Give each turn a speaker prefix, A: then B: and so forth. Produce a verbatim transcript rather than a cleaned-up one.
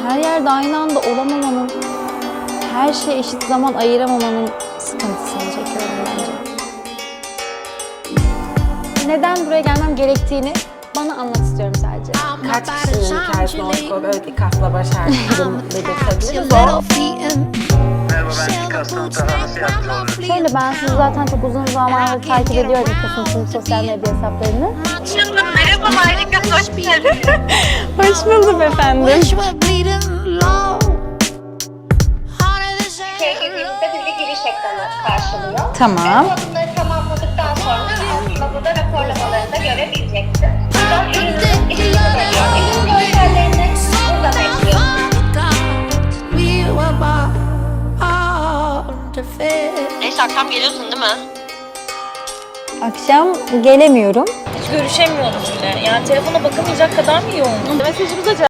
A: her yerde aynı anda olamamanın, her şeye eşit zaman ayıramamanın sıkıntısını çekiyorum bence. Neden buraya gelmem gerektiğini bana anlat istiyorum sadece.
B: Kaç kişinin hikayesini o böyle bir kasla başardığını belirtebiliriz. O.
C: Merhaba, ben Kasım Taha, nasıl yardımcı olurum?
A: Şöyle, ben sizi zaten çok uzun zamandır takip ediyorum Kasım'ın sosyal medya hesaplarını.
D: Merhaba Marika, hoş geldin.
A: Hoş buldum efendim.
D: Sevgililiğimizde bizi giriş ekranı karşılıyor.
A: Tamam.
D: Ve bunları tamamladıktan sonra aslında burada raporlamalarını da görebileceksin. Buradan ürünün ismini veriyor. Ürün görsellerini buradan ekliyorsun.
E: Neyse akşam geliyorsun değil mi?
A: Akşam gelemiyorum.
F: Hiç görüşemiyoruz bile. Yani telefona bakamayacak kadar mı yoğun? Mesajımıza